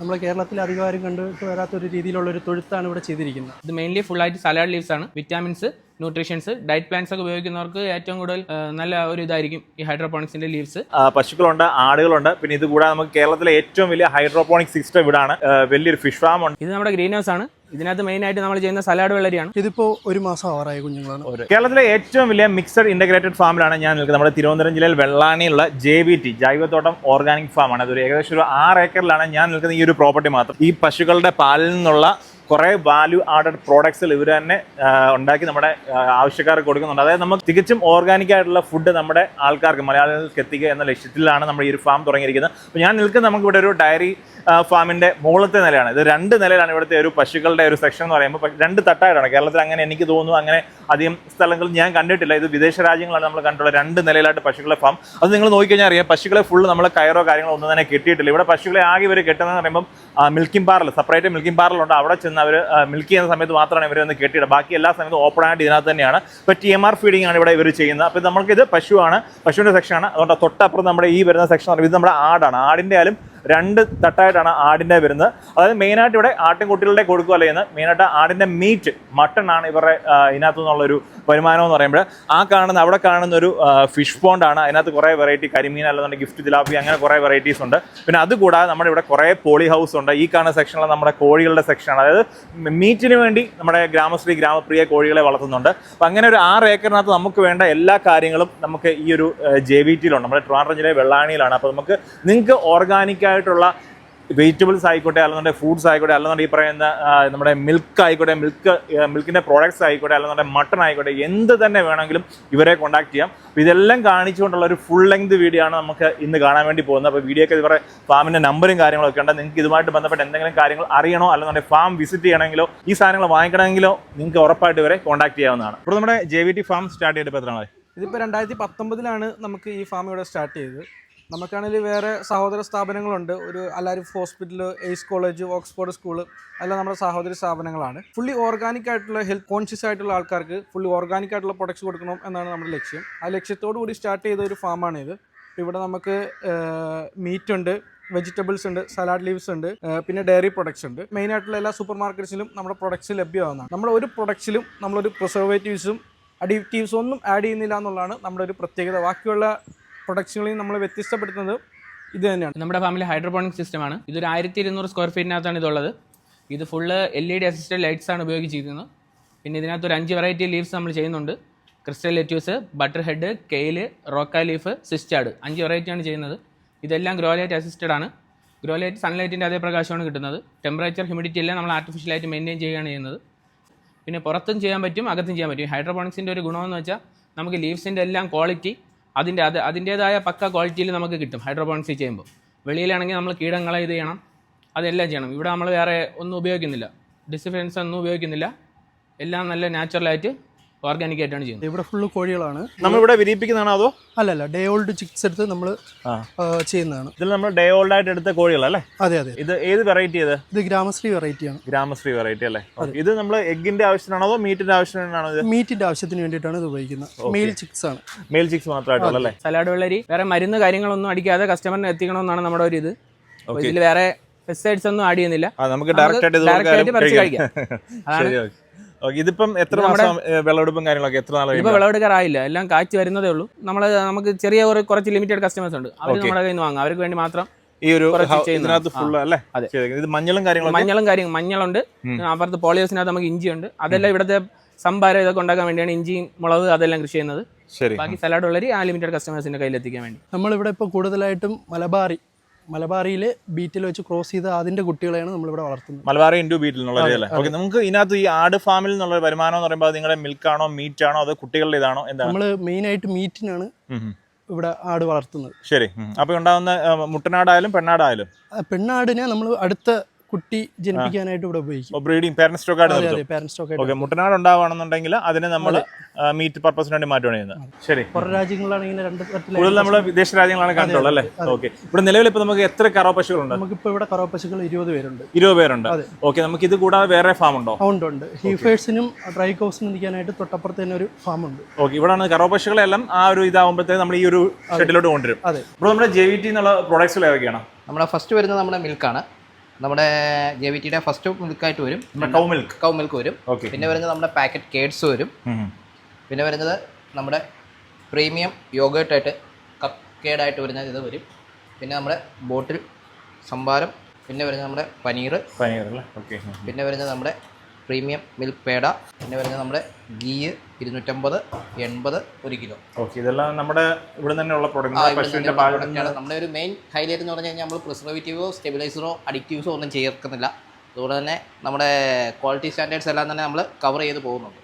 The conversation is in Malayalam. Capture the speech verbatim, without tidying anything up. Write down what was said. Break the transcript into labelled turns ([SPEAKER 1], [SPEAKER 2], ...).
[SPEAKER 1] നമ്മുടെ കേരളത്തിൽ അധികാരം കണ്ടിട്ട് വരാത്തൊരു രീതിയിലുള്ള ഒരു തൊഴുത്താണ് ഇവിടെ ചെയ്തിരിക്കുന്നത്.
[SPEAKER 2] ഇത് മെയിൻലി ഫുൾ ആയിട്ട് സലാഡ് ലീവ്സ് ആണ്. വിറ്റാമിൻസ്, ന്യൂട്രീഷൻസ്, ഡയറ്റ് പ്ലാൻസ് ഒക്കെ ഉപയോഗിക്കുന്നവർക്ക് ഏറ്റവും കൂടുതൽ നല്ല ഒരു ഇതായിരിക്കും ഈ ഹൈഡ്രോപോണിക്സിന്റെ ലീവ്സ്.
[SPEAKER 3] പശുക്കളുണ്ട്, ആടുകളുണ്ട്. പിന്നെ ഇത് കൂടാതെ നമുക്ക് കേരളത്തിലെ ഏറ്റവും വലിയ ഹൈഡ്രോപോണിക് സിസ്റ്റം ഇവിടാണ്. വലിയൊരു ഫിഷ് ഫാം ഉണ്ട്.
[SPEAKER 2] ഇത് നമ്മുടെ ഗ്രീൻ ഹൗസ് ആണ്. ഇതിനകത്ത് മെയിൻ ആയിട്ട് നമ്മൾ ചെയ്യുന്ന സലാഡ് വെള്ളരിയാണ്.
[SPEAKER 1] ഇതിപ്പോ ഒരു മാസം ആവാറായ കുഞ്ഞുങ്ങളാണ്.
[SPEAKER 3] കേരളത്തിലെ ഏറ്റവും വലിയ മിക്സഡ് ഇന്റഗ്രേറ്റഡ് ഫാമിലാണ് ഞാൻ നിൽക്കുന്നത്. നമ്മുടെ തിരുവനന്തപുരം ജില്ലയിൽ വെള്ളാണിയുള്ള ജെ വി ടി ജൈവത്തോട്ടം ഓർഗാനിക് ഫാം ആണ്. അതൊരു ഏകദേശം ഒരു ആറ് ഏക്കറിലാണ് ഞാൻ നിൽക്കുന്ന ഈ ഒരു പ്രോപ്പർട്ടി മാത്രം. ഈ പശുക്കളുടെ പാലിൽ നിന്നുള്ള കുറേ വാല്യൂ ആഡഡ് പ്രോഡക്ട്സ് ഇവർ തന്നെ ഉണ്ടാക്കി നമ്മുടെ ആവശ്യക്കാർക്ക് കൊടുക്കുന്നുണ്ട്. അതായത് നമുക്ക് തികച്ചും ഓർഗാനിക് ആയിട്ടുള്ള ഫുഡ് നമ്മുടെ ആൾക്കാർക്ക്, മലയാളികൾക്ക് എത്തിക്കുക എന്ന ലക്ഷ്യത്തിലാണ് നമ്മൾ ഈ ഒരു ഫാം തുടങ്ങിയിരിക്കുന്നത്. അപ്പോൾ ഞാൻ നിൽക്കുന്നത് നമുക്ക് ഇവിടെ ഒരു ഡയറി ഫാമിൻ്റെ മുകളിലത്തെ നിലയാണ്. ഇത് രണ്ട് നിലയിലാണ് ഇവിടുത്തെ ഒരു പശുക്കളുടെ ഒരു സെക്ഷൻ എന്ന് പറയുമ്പോൾ. രണ്ട് തട്ടായിട്ടാണ്. കേരളത്തിൽ അങ്ങനെ എനിക്ക് തോന്നുന്നു അങ്ങനെ അധികം സ്ഥലങ്ങളിൽ ഞാൻ കണ്ടിട്ടില്ല. ഇത് വിദേശ രാജ്യങ്ങളാണ് നമ്മൾ കണ്ടിട്ടുള്ള രണ്ട് നിലയിലായിട്ട് പശുക്കളെ ഫാം. അത് നിങ്ങൾ നോക്കിക്കഴിഞ്ഞാൽ അറിയാം, പശുക്കളെ ഫുള്ള് നമ്മൾ കയറോ കാര്യങ്ങളോ ഒന്നും തന്നെ കെട്ടിയിട്ടില്ല. ഇവിടെ പശുക്കളെ ആകെ ഇവർ കെട്ടുന്നതെന്ന് പറയുമ്പോൾ മിൽക്കിംഗ് പാർലർ, സെപ്പറേറ്റ് മിൽക്കിംഗ് പാർലറുണ്ട്. അവിടെ ചെന്ന് അവർ മിൽക്ക് ചെയ്യുന്ന സമയത്ത് മാത്രമാണ് ഇവർ ഒന്ന് കെട്ടിയിടുക. ബാക്കി എല്ലാ സമയത്തും ഓപ്പൺ ആയിട്ട് ഇതിനകത്ത് തന്നെയാണ്. ഇപ്പോൾ ടി എം ആർ ഫീഡിംഗ് ആണ് ഇവിടെ ഇവർ ചെയ്യുന്നത്. അപ്പോൾ നമുക്കിത് പശുവാണ്, പശുവിൻ്റെ സെക്ഷനാണ്. അതുകൊണ്ട് തൊട്ടപ്പുറം നമ്മുടെ ഈ വരുന്ന സെക്ഷൻ ഇത് നമ്മുടെ ആടാണ്. ആടിൻ്റെ ആയാലും രണ്ട് തട്ടായിട്ടാണ് ആടിൻ്റെ വരുന്നത്. അതായത് മെയിനായിട്ട് ഇവിടെ ആട്ടിൻകുട്ടികളുടെ കൊടുക്കുക അല്ലെങ്കിൽ മെയിനായിട്ട് ആടിൻ്റെ മീറ്റ്, മട്ടൺ ആണ് ഇവരുടെ ഇതിനകത്തു നിന്നുള്ളൊരു വരുമാനം എന്ന് പറയുമ്പോൾ. ആ കാണുന്ന അവിടെ കാണുന്ന ഒരു ഫിഷ് പോണ്ടാണ്. അതിനകത്ത് കുറേ വെറൈറ്റി കരിമീൻ അല്ലെന്നുണ്ടെങ്കിൽ ഗിഫ്റ്റ് ജിലാപ്പി അങ്ങനെ കുറേ വെറൈറ്റീസ് ഉണ്ട്. പിന്നെ അതുകൂടാതെ നമ്മുടെ ഇവിടെ കുറേ പോളി ഹൗസ് ഉണ്ട്. ഈ കാണുന്ന സെക്ഷനിൽ നമ്മുടെ കോഴികളുടെ സെക്ഷനാണ്. അതായത് മീറ്റിന് വേണ്ടി നമ്മുടെ ഗ്രാമശ്രീ ഗ്രാമപ്രിയ കോഴികളെ വളർത്തുന്നുണ്ട്. അപ്പം അങ്ങനെ ഒരു ആറ് ഏക്കറിനകത്ത് നമുക്ക് വേണ്ട എല്ലാ കാര്യങ്ങളും നമുക്ക് ഈ ഒരു ജെ വി ടിയിലുണ്ട്. നമ്മുടെ ട്രിവാൻഡ്രം ജില്ലയിലെ വെള്ളാണിയിലാണ്. അപ്പോൾ നമുക്ക് നിങ്ങൾക്ക് ഓർഗാനിക് ആയിട്ടുള്ള വെജിറ്റബിൾസ് ആയിക്കോട്ടെ, അല്ലെന്നുണ്ടെങ്കിൽ ഫ്രൂട്ട്സ് ആയിക്കോട്ടെ, അല്ലെന്നുണ്ടെങ്കിൽ ഈ പറയുന്ന നമ്മുടെ മിൽക്ക് ആയിക്കോട്ടെ, മിൽക്ക് മിൽക്കിൻ്റെ പ്രോഡക്ട്സ് ആയിക്കോട്ടെ, അല്ലെന്നുണ്ടെങ്കിൽ മട്ടൺ ആയിക്കോട്ടെ, എന്ത് തന്നെ വേണമെങ്കിലും ഇവരെ കോൺടാക്ട് ചെയ്യാം. അപ്പോൾ ഇതെല്ലാം കാണിച്ചുകൊണ്ടുള്ള ഒരു ഫുൾ ലെങ്ത് വീഡിയോ ആണ് നമുക്ക് ഇന്ന് കാണാൻ വേണ്ടി പോകുന്നത്. അപ്പോൾ വീഡിയോക്ക് ഇവരുടെ ഫാമിൻ്റെ നമ്പറും കാര്യങ്ങളൊക്കെ ഉണ്ട്. നിങ്ങൾക്ക് ഇതുമായിട്ട് ബന്ധപ്പെട്ട് എന്തെങ്കിലും കാര്യങ്ങൾ അറിയണോ, അല്ലെന്നുണ്ടെങ്കിൽ ഫാം വിസിറ്റ് ചെയ്യണമെങ്കിലോ ഈ സാധനങ്ങൾ വാങ്ങിക്കണമെങ്കിലോ നിങ്ങൾക്ക് ഉറപ്പായിട്ട് ഇവരെ കോൺടാക്ട് ചെയ്യാവുന്നതാണ്. ഇപ്പോൾ നമ്മുടെ J V T farm start ചെയ്തിട്ട് എത്ര നാളായി?
[SPEAKER 4] ഇതിപ്പോൾ രണ്ടായിരത്തി പത്തൊമ്പതിലാണ് നമുക്ക് ഈ ഫാം ഇവിടെ സ്റ്റാർട്ട് ചെയ്തത്. നമുക്കാണെങ്കിൽ വേറെ സഹോദര സ്ഥാപനങ്ങളുണ്ട്. ഒരു Alarif hospital, Ace college, Oxford school, എല്ലാം നമ്മുടെ സഹോദര സ്ഥാപനങ്ങളാണ്. ഫുള്ളി ഓർഗാനിക് ആയിട്ടുള്ള ഹെൽത്ത് കോൺഷ്യസ് ആയിട്ടുള്ള ആൾക്കാർക്ക് ഫുള്ളി ഓർഗാനിക് ആയിട്ടുള്ള പ്രൊഡക്ട്സ് കൊടുക്കണം എന്നാണ് നമ്മുടെ ലക്ഷ്യം. ആ ലക്ഷ്യത്തോടു കൂടി സ്റ്റാർട്ട് ചെയ്ത ഒരു ഫാമാണിത്. ഇവിടെ നമുക്ക് മീറ്റ് ഉണ്ട്, വെജിറ്റബിൾസ് ഉണ്ട്, സലാഡ് ലീവ്സ് ഉണ്ട്, പിന്നെ ഡയറി പ്രൊഡക്ട്സ് ഉണ്ട്. മെയിൻ ആയിട്ടുള്ള എല്ലാ സൂപ്പർ മാർക്കറ്റ്സിലും നമ്മുടെ പ്രൊഡക്ട്സ് ലഭ്യമാകുന്നതാണ്. നമ്മുടെ ഒരു പ്രൊഡക്ട്സിലും നമ്മളൊരു പ്രിസർവേറ്റീവ്സും അഡിക്റ്റീവ്സും ഒന്നും ആഡ് ചെയ്യുന്നില്ല എന്നുള്ളതാണ് നമ്മുടെ ഒരു പ്രത്യേകത. ബാക്കിയുള്ള പ്രൊഡക്ട്സുകളിൽ നമ്മൾ വ്യത്യസ്തപ്പെടുത്തുന്നത് ഇത് തന്നെയാണ്.
[SPEAKER 2] നമ്മുടെ ഫാമിലി ഹൈഡ്രോപോണിക് സിസ്റ്റമാണ്. ഇതൊരു ആയിരത്തി ഇരുന്നൂറ് സ്ക്വയർ ഫീറ്റിനകത്താണ് ഇതുള്ളത്. ഇത് full L E D assisted lights ആണ് ഉപയോഗിച്ചിരിക്കുന്നത്. പിന്നെ ഇതിനകത്ത് ഒരു അഞ്ച് വെറൈറ്റി ലീവ്സ് നമ്മൾ ചെയ്യുന്നുണ്ട്. Crystal lettuce, butter head, kale, rocca leaf, സിസ്റ്റാഡ്, അഞ്ച് വെറൈറ്റിയാണ് ചെയ്യുന്നത്. ഇതെല്ലാം ഗ്രോ ലൈറ്റ് അസിസ്റ്റഡ് ആണ്. ഗ്രോ ലൈറ്റ് സൺലൈറ്റിൻ്റെ അതേ പ്രകാശമാണ് കിട്ടുന്നത്. ടെമ്പറേച്ചർ, ഹ്യൂമിഡിറ്റി എല്ലാം നമ്മൾ ആർട്ടിഫിഷ്യലായിട്ട് മെയിൻറ്റെയിൻ ചെയ്യുകയാണ് ചെയ്യുന്നത്. പിന്നെ പുറത്തും ചെയ്യാൻ പറ്റും, അകത്തും ചെയ്യാൻ പറ്റും. ഹൈഡ്രോപോണിക്സിൻ്റെ ഒരു ഗുണമെന്ന് വെച്ചാൽ നമുക്ക് ലീവ്സിൻ്റെ എല്ലാം ക്വാളിറ്റി അതിൻ്റെ അത് അതിൻ്റേതായ പക്ക ക്വാളിറ്റിയിൽ നമുക്ക് കിട്ടും. ഹൈഡ്രോപോണിക്സ് ചെയ്യുമ്പോൾ വെളിയിലാണെങ്കിൽ നമ്മൾ കീടങ്ങളെ ഇത് ചെയ്യണം, അതെല്ലാം ചെയ്യണം. ഇവിടെ നമ്മൾ വേറെ ഒന്നും ഉപയോഗിക്കുന്നില്ല, ഡിസിഫൻസ് ഒന്നും ഉപയോഗിക്കുന്നില്ല. എല്ലാം നല്ല നാച്ചുറലായിട്ട് ഓർഗാനിക് ആയിട്ടാണ് ചെയ്യുന്നത്.
[SPEAKER 1] ഇവിടെ ഫുള്ള് കോഴികളാണ്.
[SPEAKER 3] നമ്മളിവിടെ വിരിയിപ്പിക്കുന്നതാണോ അതോ?
[SPEAKER 1] അല്ലല്ല, ഡേ ഓൾഡ് ചിക്സ് എടുത്ത് നമ്മൾ ചെയ്യുന്നതാണ്.
[SPEAKER 3] ഇതിൽ നമ്മൾ ഡേ ഓൾഡ് ആയിട്ട് എടുത്ത കോഴികളല്ലേ?
[SPEAKER 1] അതെ അതെ.
[SPEAKER 3] ഇത് ഏത് വെറൈറ്റി? ഇത്
[SPEAKER 1] ഇത് ഗ്രാമശ്രീ വെറൈറ്റിയാണ്.
[SPEAKER 3] ഗ്രാമശ്രീ വെറൈറ്റി അല്ലേ? ഇത് നമ്മൾ എഗ്ഗിന്റെ ആവശ്യത്തിനാണോ അതോ മീറ്റിന്റെ ആവശ്യത്തിനാണോ? ഇത്
[SPEAKER 1] മീറ്റിന്റെ ആവശ്യത്തിന് വേണ്ടിയിട്ടാണ് ഇത് ഉപയോഗിക്കുന്നത്. മെയിൽ ചിക്സ് ആണ്.
[SPEAKER 3] മെയിൽ ചിക്സ് മാത്രമായിട്ടുള്ളല്ലേ?
[SPEAKER 2] സലാഡ് വെള്ളരി വേറെ മരുന്ന് കാര്യങ്ങളൊന്നും അടിക്കാതെ കസ്റ്റമറിന് എത്തിക്കണമെന്നാണ് നമ്മുടെ ഒരു ഇത്. ഇതിൽ വേറെ പെസ്റ്റിസൈഡ്സ് ഒന്നും ആഡ് ചെയ്യുന്നില്ല.
[SPEAKER 3] നമുക്ക് ഡയറക്റ്റ് ആയിട്ട്
[SPEAKER 2] പറിച്ച് കഴിക്കാം.
[SPEAKER 3] ഇതിപ്പം എത്ര മാസം വിളവെടുപ്പും കാര്യങ്ങളൊക്കെ എത്ര നാളെ?
[SPEAKER 2] ഇപ്പൊ വിളവെടുക്കാറായില്ല, എല്ലാം കാഴ്ച വരുന്നതേ ഉള്ളൂ. നമ്മൾ നമുക്ക് ചെറിയ കുറച്ച് ലിമിറ്റഡ് കസ്റ്റമേഴ്സ് ഉണ്ട്, അവർ നമ്മുടെ കയ്യിൽ നിന്ന് വാങ്ങാം. അവർക്ക് വേണ്ടി മാത്രം
[SPEAKER 3] ഈ ഒരു അല്ലേ? ഇത് മഞ്ഞളും കാര്യങ്ങളും
[SPEAKER 2] മഞ്ഞളും കാര്യങ്ങളും മഞ്ഞളുണ്ട്. അപ്പുറത്ത് പോളിയോസിനകത്ത് നമുക്ക് ഇഞ്ചിയുണ്ട്. അതെല്ലാം ഇവിടുത്തെ സംഭാരം ഇതൊക്കെ ഉണ്ടാക്കാൻ വേണ്ടിയാണ് ഇഞ്ചിയും മുളക് അതെല്ലാം കൃഷി ചെയ്യുന്നത്. ബാക്കി സലാഡ് ഉള്ളവർ ആ ലിമിറ്റഡ് കസ്റ്റമേഴ്സിന്റെ കയ്യിൽ എത്തിക്കാൻ വേണ്ടി.
[SPEAKER 1] നമ്മളിവിടെ ഇപ്പോൾ കൂടുതലായിട്ടും മലബാറി മലബാറിയിൽ ബീറ്റിൽ വെച്ച് ക്രോസ് ചെയ്ത് അതിന്റെ കുട്ടികളെയാണ് നമ്മളിവിടെ വളർത്തുന്നത്.
[SPEAKER 3] മലബാറി ഇൻഡു ബീറ്റിൽ എന്നുള്ളത്. ഓക്കെ, നമുക്ക് ഇതിനകത്ത് ഈ ആട് ഫാമിൽ നിന്നുള്ള വരുമാനം എന്ന് പറയുമ്പോൾ നിങ്ങളുടെ മിൽക്കാണോ മീറ്റ് ആണോ അതോ കുട്ടികളുടെ ഇതാണോ? എന്താണ്?
[SPEAKER 1] നമ്മൾ മെയിൻ ആയിട്ട് മീറ്റിനാണ് ഇവിടെ ആട് വളർത്തുന്നത്.
[SPEAKER 3] ശരി. അപ്പൊ ഉണ്ടാകുന്ന മുട്ടനാടായാലും പെണ്ണാടായാലും?
[SPEAKER 1] പെണ്ണാടിനെ നമ്മൾ അടുത്ത കുട്ടി ജനിപ്പിക്കാനായിട്ട് ഇവിടെ ഉപയോഗിക്കും.
[SPEAKER 3] ബ്രീഡിംഗ് പാരന്റ് സ്റ്റോക്ക് ആയിട്ട്. മുട്ടനാട് ഉണ്ടാവുകയാണെന്നുണ്ടെങ്കിൽ അതിനെ നമ്മൾ മീറ്റ് പർപ്പസിന് വേണ്ടി മാറ്റുകയാണ് ചെയ്യുന്നത്. ശരി.
[SPEAKER 1] പുറം രാജ്യങ്ങളാണെങ്കിൽ രണ്ട്
[SPEAKER 3] കൂടുതൽ നമ്മൾ വിദേശ രാജ്യങ്ങളാണ് കണ്ടുള്ളത് അല്ലേ? ഓക്കെ. ഇവിടെ നിലവിൽ ഇപ്പൊ നമുക്ക് എത്ര കറവ പശുക്കളുണ്ട്?
[SPEAKER 1] നമുക്കിപ്പോ ഇവിടെ കറവ പശുക്കൾ ഇരുപത് പേരുണ്ട്.
[SPEAKER 3] ഇരുപത് പേരുണ്ട്. ഓക്കെ. നമുക്ക് ഇത് കൂടാതെ വേറെ ഫാം ഉണ്ടോ?
[SPEAKER 1] ഉണ്ട് ഉണ്ട്. ഹീഫേഴ്സിനും ഡ്രൈ കൗസിനും നിൽക്കാനായിട്ട് തൊട്ടപ്പുറത്ത് തന്നെ ഒരു ഫാം ഉണ്ട്.
[SPEAKER 3] ഓക്കെ. ഇവിടെയാണ് കറവ പശുക്കളെല്ലാം ആ ഒരു ഇതാവുമ്പോഴത്തേക്ക് നമ്മൾ ഈ ഒരു ഷെഡിലോട്ട് കൊണ്ടുവരും.
[SPEAKER 1] അതെ.
[SPEAKER 3] ഇപ്പോൾ നമ്മുടെ ജെ വി ടി എന്നുള്ള പ്രോഡക്ട്സുകൾ ഏതൊക്കെയാണ്?
[SPEAKER 5] നമ്മുടെ ഫസ്റ്റ് വരുന്നത് നമ്മുടെ മിൽക്കാണ്. നമ്മുടെ ജെ വി ടിയുടെ ഫസ്റ്റ് മിൽക്കായിട്ട് വരും,
[SPEAKER 3] കൗ മിൽക്ക്.
[SPEAKER 5] കൗ മിൽക്ക് വരും.
[SPEAKER 3] ഓക്കെ.
[SPEAKER 5] പിന്നെ വരുന്നത് നമ്മുടെ പാക്കറ്റ് കേഡ്സ് വരും. പിന്നെ വരുന്നത് നമ്മുടെ പ്രീമിയം യോഗേർട്ടായിട്ട് കപ്പ് കേഡായിട്ട് വരുന്നത് ഇത് വരും. പിന്നെ നമ്മുടെ ബോട്ടിൽ സംഭാരം. പിന്നെ വരുന്നത് നമ്മുടെ പനീർ.
[SPEAKER 3] പനീർ അല്ലേ? ഓക്കെ.
[SPEAKER 5] പിന്നെ വരുന്നത് നമ്മുടെ പ്രീമിയം മിൽക്ക് പേട. പിന്നെ വരുന്നത് നമ്മുടെ ഗീ ഇരുന്നൂറ്റമ്പത് എൺപത് ഒരു കിലോ.
[SPEAKER 3] ഓക്കെ. ഇതെല്ലാം നമ്മുടെ ഇവിടെ തന്നെയുള്ള പ്രോഡക്റ്റ്. പശുവിൻ്റെ
[SPEAKER 5] പ്രോഡക്റ്റാണ്. നമ്മുടെ ഒരു മെയിൻ ഹൈലൈറ്റ് എന്ന് പറഞ്ഞു കഴിഞ്ഞാൽ നമ്മൾ പ്രിസർവേറ്റീവോ സ്റ്റെബിലൈസറോ അഡിക്റ്റീവ്സോ ഒന്നും ചേർക്കുന്നില്ല. അതുപോലെ തന്നെ നമ്മുടെ ക്വാളിറ്റി സ്റ്റാൻഡേർഡ്സ് എല്ലാം തന്നെ നമ്മൾ കവർ ചെയ്ത് പോകുന്നുണ്ട്.